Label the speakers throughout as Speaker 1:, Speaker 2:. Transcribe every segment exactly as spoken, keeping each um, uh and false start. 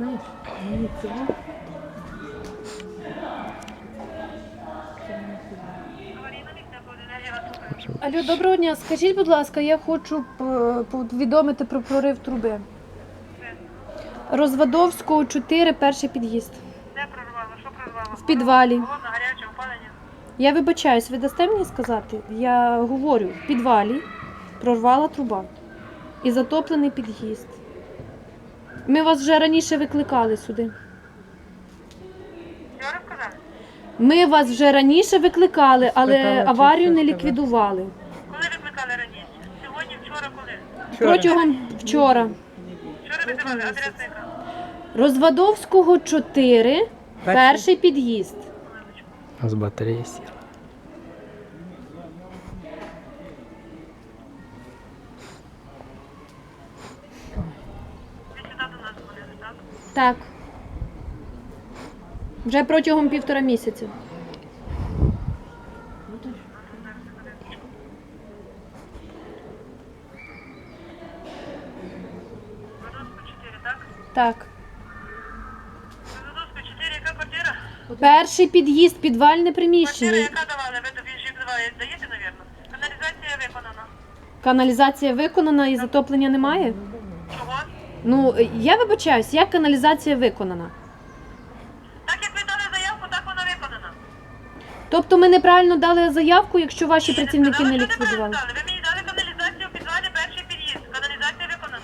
Speaker 1: знаєш? Мені цього.
Speaker 2: Алло, доброго дня. Скажіть, будь ласка, я хочу п- повідомити про прорив труби. Розвадовського, чотири, перший під'їзд.
Speaker 3: Де прорвало? Що прорвало?
Speaker 2: В підвалі.
Speaker 3: Холодно, гаряче, опалення?
Speaker 2: Я вибачаюсь, ви дасте мені сказати? Я говорю, в підвалі прорвала труба і затоплений під'їзд. Ми вас вже раніше викликали сюди.
Speaker 3: Вчора сказали?
Speaker 2: Ми вас вже раніше викликали, але
Speaker 1: Спитала, чи
Speaker 2: аварію
Speaker 1: все
Speaker 2: не
Speaker 1: сказала.
Speaker 2: ліквідували.
Speaker 3: Коли викликали раніше? Сьогодні, вчора, коли?
Speaker 2: Протягом вчора.
Speaker 3: Вчора визивали, адреса яка?
Speaker 2: Розвадовського, чотири, перший під'їзд.
Speaker 4: А з батареї сіла.
Speaker 3: Ви сюди до нас ходили, так?
Speaker 2: Так. Вже протягом півтора місяця.
Speaker 3: Родовську чотири, так?
Speaker 2: Так.
Speaker 3: Родовську чотири, яка квартира?
Speaker 2: Перший під'їзд, підвальне
Speaker 3: Квартира,
Speaker 2: приміщення.
Speaker 3: яка давали? Ви тобі ще давали, даєте, навірно? Каналізація виконана.
Speaker 2: Каналізація виконана і затоплення немає?
Speaker 3: Чого?
Speaker 2: Ну, я вибачаюсь, як каналізація виконана?
Speaker 3: Так як ви дали заявку, так вона виконана.
Speaker 2: Тобто ми неправильно дали заявку, якщо ваші
Speaker 3: Ні, не
Speaker 2: працівники
Speaker 3: сказали,
Speaker 2: не
Speaker 3: що неправильно
Speaker 2: ліквідували?
Speaker 3: дали. Ви мені дали каналізацію в підвалі, перший під'їзд. Каналізація виконана.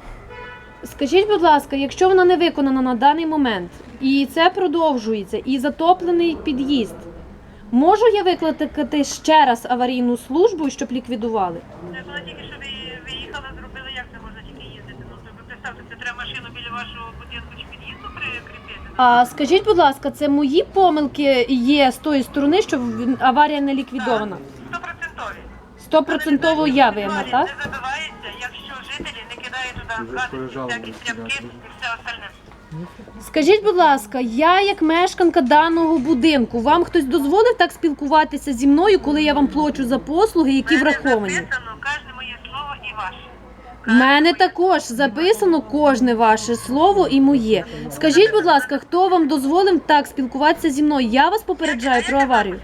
Speaker 2: Скажіть, будь ласка, якщо вона не виконана на даний момент, і це продовжується, і затоплений під'їзд, можу я викликати ще раз аварійну службу, щоб ліквідували?
Speaker 3: Це було тільки, що ви виїхали, зробили, як це можна тільки їздити. Ну, то ви представте, це треба машину біля вашого будинку чи під'їзду прикріпити.
Speaker 2: А скажіть, будь ласка, це мої помилки є з тої сторони, що в- аварія не ліквідована?
Speaker 3: Стопроцентові.
Speaker 2: Стопроцентово я винна, так?
Speaker 3: Не забивається, якщо жителі не кидають туди гадості, всякі стряпки і все остальне.
Speaker 2: Скажіть, будь ласка, я як мешканка даного будинку, вам хтось дозволив так спілкуватися зі мною, коли я вам плачу за послуги, які
Speaker 3: В мене
Speaker 2: враховані?
Speaker 3: записано кожне моє слово і ваше.
Speaker 2: В мене також записано кожне ваше слово і моє. Скажіть, будь ласка, хто вам дозволив так спілкуватися зі мною? Я вас попереджаю про аварію.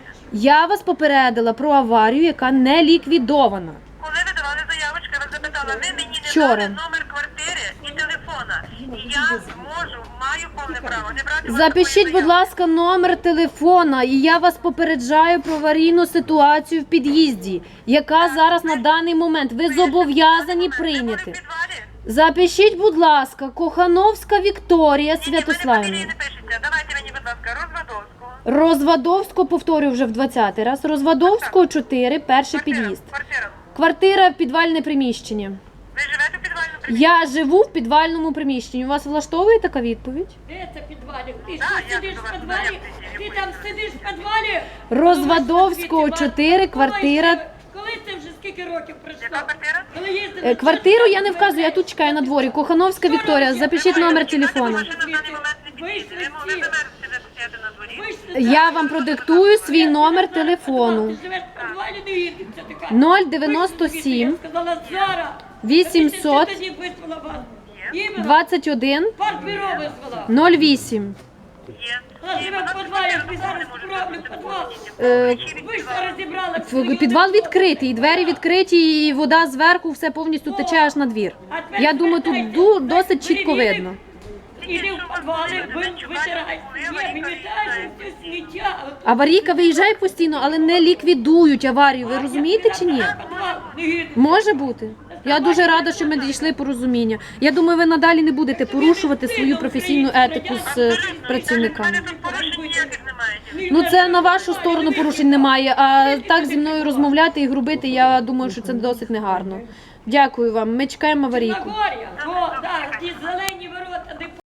Speaker 2: Я вас попередила про аварію, яка не ліквідована.
Speaker 3: Коли ви давали заявочку, я вас запитала, ви мені не
Speaker 2: Вчора.
Speaker 3: дали номер квартири і телефона. І я можу, маю повне право не брати у вас
Speaker 2: Запишіть,
Speaker 3: такої
Speaker 2: будь ласка, номер телефона, і я вас попереджаю про аварійну ситуацію в під'їзді, яка зараз на даний момент ви зобов'язані
Speaker 3: заяви. Ви були в
Speaker 2: прийняти.
Speaker 3: підвалі?
Speaker 2: Запишіть, будь ласка, Кохановська Вікторія
Speaker 3: Ні, ні, ви не
Speaker 2: Святославівна.
Speaker 3: фамілії не пишете. Давайте мені, будь ласка, Розвадовського.
Speaker 2: Розвадовського, повторюю вже в двадцятий раз, Розвадовського, чотири, перший під'їзд.
Speaker 3: Квартира.
Speaker 2: Квартира, підвальне приміщення.
Speaker 3: Ви живете в підвальному приміщенні?
Speaker 2: Я живу в підвальному приміщенні. У вас влаштовує така відповідь?
Speaker 5: Де це підвалі? Ти
Speaker 3: Да,
Speaker 5: що
Speaker 3: я
Speaker 5: сидиш
Speaker 3: до
Speaker 5: в
Speaker 3: вас
Speaker 5: підвалі?
Speaker 3: заявку
Speaker 5: Ти
Speaker 3: зробила.
Speaker 5: там сидиш в підвалі?
Speaker 2: Розвадовського, чотири, квартира.
Speaker 5: Коли це вже скільки років пройшло?
Speaker 3: Яка квартира?
Speaker 5: Коли їздили
Speaker 2: Е, Квартиру я не вказую, я тут чекаю на дворі. Кохановська Вікторія, запишіть номер телефону.
Speaker 3: Машина в даний момент не підійде. Ви мо- ви замерзли де стояти на дворі.
Speaker 5: Вийшли.
Speaker 2: Я вам продиктую свій номер телефону.
Speaker 5: Ти живеш в підвалі, не їдеться така.
Speaker 2: нуль дев'яносто сім
Speaker 5: Я сказала, зараз.
Speaker 2: вісімсот
Speaker 5: Я тоді визвала вас. Іменно.
Speaker 2: двадцять один
Speaker 5: Партбюро визвала.
Speaker 2: нуль вісім.
Speaker 3: Є.
Speaker 5: Вона
Speaker 3: Є,
Speaker 5: живе
Speaker 3: вона
Speaker 5: в підвалі,
Speaker 3: квартира
Speaker 5: ви
Speaker 3: дома
Speaker 5: зараз
Speaker 3: не може
Speaker 5: справлю
Speaker 3: бути.
Speaker 5: підвал.
Speaker 2: Е,
Speaker 3: Ключі від
Speaker 5: Ви ж
Speaker 3: підвалу.
Speaker 5: розібрали.
Speaker 2: в- Підвал відкритий, двері відкриті, і вода зверху все повністю тече аж на двір. Я думаю, тут ду- досить чітко видно.
Speaker 5: Іди в підвали, ви витирай. Є, вимітаєш все сміття.
Speaker 2: Аварійка виїжджає постійно, але не ліквідують аварію. Ви розумієте чи ні?
Speaker 5: Підвал не їде.
Speaker 2: Може бути. Я дуже рада, що ми дійшли порозуміння. Я думаю, ви надалі не будете порушувати свою професійну етику з е, працівниками.
Speaker 3: У мене тут порушень ніяких немає.
Speaker 2: Ну це на вашу сторону порушень немає. А так зі мною розмовляти і грубити, я думаю, що це досить негарно. Дякую вам. Ми чекаємо аварійку.
Speaker 5: Нагор'я. О, так, ті зелені ворота, де